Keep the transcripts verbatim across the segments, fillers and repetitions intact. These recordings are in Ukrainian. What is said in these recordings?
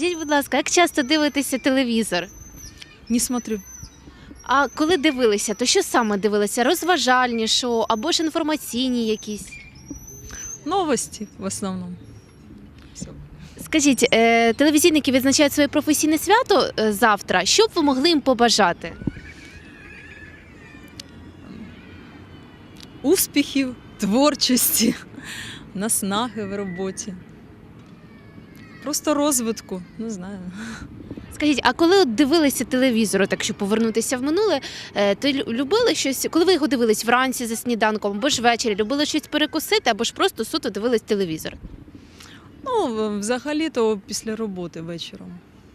Скажіть, будь ласка, як часто дивитеся телевізор? Не смотрю. А коли дивилися, то що саме дивилися? Розважальні шоу або ж інформаційні якісь? Новости в основном. Всё. Скажіть, е, телевізійники відзначають своє професійне свято е, завтра. Що б ви могли їм побажати? Успіхів, творчості, наснаги в роботі. Просто розвитку, не знаю. Скажіть, а коли от дивилися телевізор, от якщо повернутися в минуле, е, то лю- любили щось, коли ви його дивились вранці за сніданком, або ж ввечері, любили щось перекусити, або ж просто суто дивились телевізор? Ну, в- взагалі-то після роботи вечором.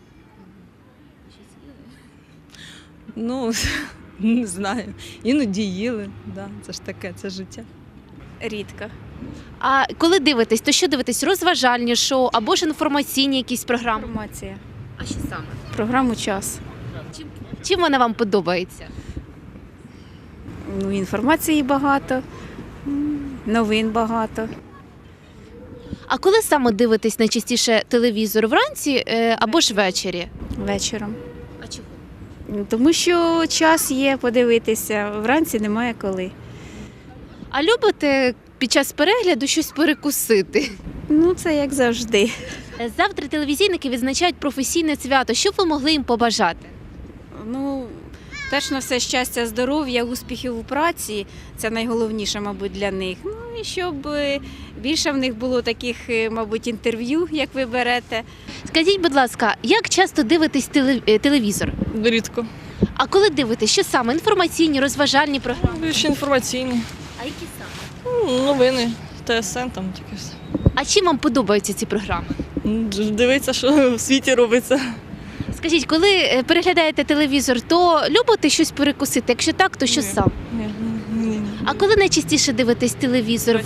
Ну, не знаю. Іноді їли, да, це ж таке, це життя. Рідко. А коли дивитесь, то що дивитесь? Розважальні шоу або ж інформаційні якісь програми? Інформація. А що саме? Програму час. Чим, чим вона вам подобається? Ну, інформації багато, м, новин багато. А коли саме дивитесь найчастіше телевізор? Вранці е, або ж ввечері? Вечором. А чого? Ну, тому що час є подивитися, вранці немає коли. А любите під час перегляду щось перекусити? Ну, це як завжди. Е, Завтра телевізійники відзначають професійне свято. Що б ви могли їм побажати? Ну, перш на все щастя, здоров'я, успіхів у праці це найголовніше, мабуть, для них. Ну і щоб е, більше в них було таких, е, мабуть, інтерв'ю, як ви берете. Скажіть, будь ласка, як часто дивитесь теле- е, телевізор? Рідко. А коли дивитесь, що саме? Інформаційні, розважальні програми? Більше інформаційні. А які саме? Ну, новини, ТСН там таке все. А чим вам подобаються ці програми? Дивиться, що в світі робиться. Скажіть, коли е, переглядаєте телевізор, то любите щось перекусити? Якщо так, то що Ні. саме? Ні, ні, ні. А коли найчастіше дивитесь телевізор?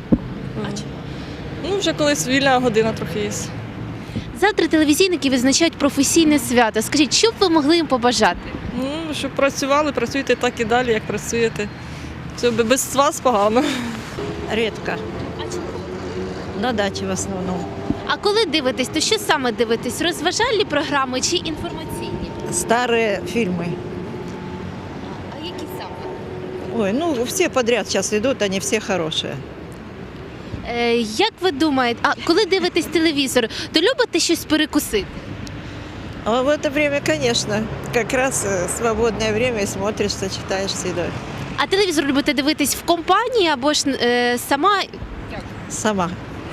Ну, вже колись вільна година трохи є. Завтра телевізійники відзначають професійне свято. Скажіть, що б ви могли їм побажати? Ну, щоб працювали, працюйте так і далі, як працюєте. Все, без вас погано. Редко. На даче в основном. А коли дивитесь, то що саме дивитесь? Розважальні програми чи інформаційні? Старые фильмы. А які саме? Ой, ну все подряд сейчас идут, они все хорошие. Е, як ви думаєте, а коли дивитесь телевізор, то любите щось перекусити? А в это время, конечно, как раз э, свободное время и смотришь, сочетаешь с едой. А телевізор любите дивитись в компанії або ж е, сама? Сама.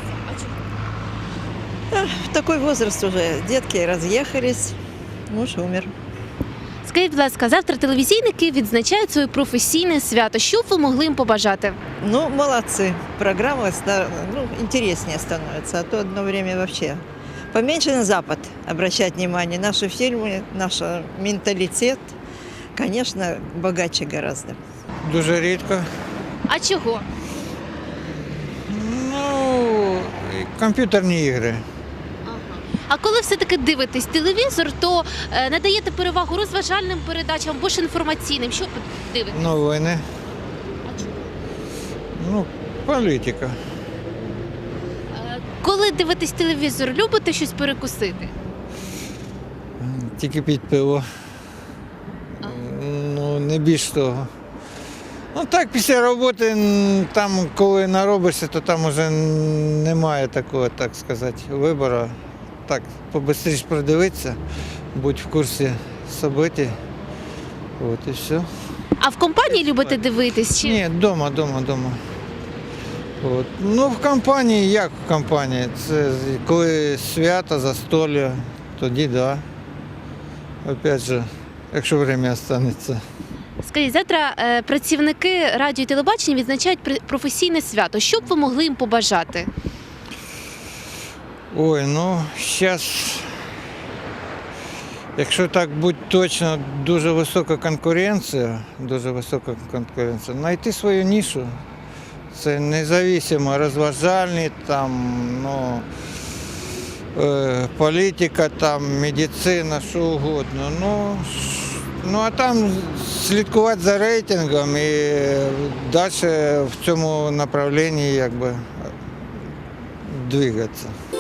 А, в такой возраст уже. Детки разъехались, муж умер. Скажіть, будь ласка, завтра телевізійники відзначають своє професійне свято. Що б ви могли їм побажати? Ну, молодцы. Программа ста- ну, интереснее становится, а то одно время вообще. Поменьше на Запад обращать внимание. Наши фильмы, наш менталитет, конечно, богаче гораздо. Дуже рідко. А чого? Ну, комп'ютерні ігри. А коли все-таки дивитесь телевізор, то е, надаєте перевагу розважальним передачам або ж інформаційним. Що ви дивитесь? Новини. Ну, політика. Е, коли дивитесь телевізор, любите щось перекусити? Тільки під пиво. Ну, не більш того. Ну так, після роботи, м, там, коли наробишся, то там вже немає такого, так сказати, вибору. Так, побистріше продивитися, будь в курсі событий. От і все. А в компанії любите дивитись? Чи? Ні, вдома, вдома, вдома. От. Ну, в компанії, як в компанії? Це коли свято, застолля, тоді так. Да. Опять же, якщо время останеться. Скажіть, завтра е, працівники радіо і телебачення відзначають пр- професійне свято. Що б ви могли їм побажати? Ой, ну, зараз, якщо так бути точно, дуже висока конкуренція, дуже висока конкуренція. Знайти свою нішу. Це независимо, розважальні, там, ну, е, політика, там, медицина, що угодно. Ну, ш- ну, а там слідкувати за рейтингом і далі в цьому направленні, якби, двигатися.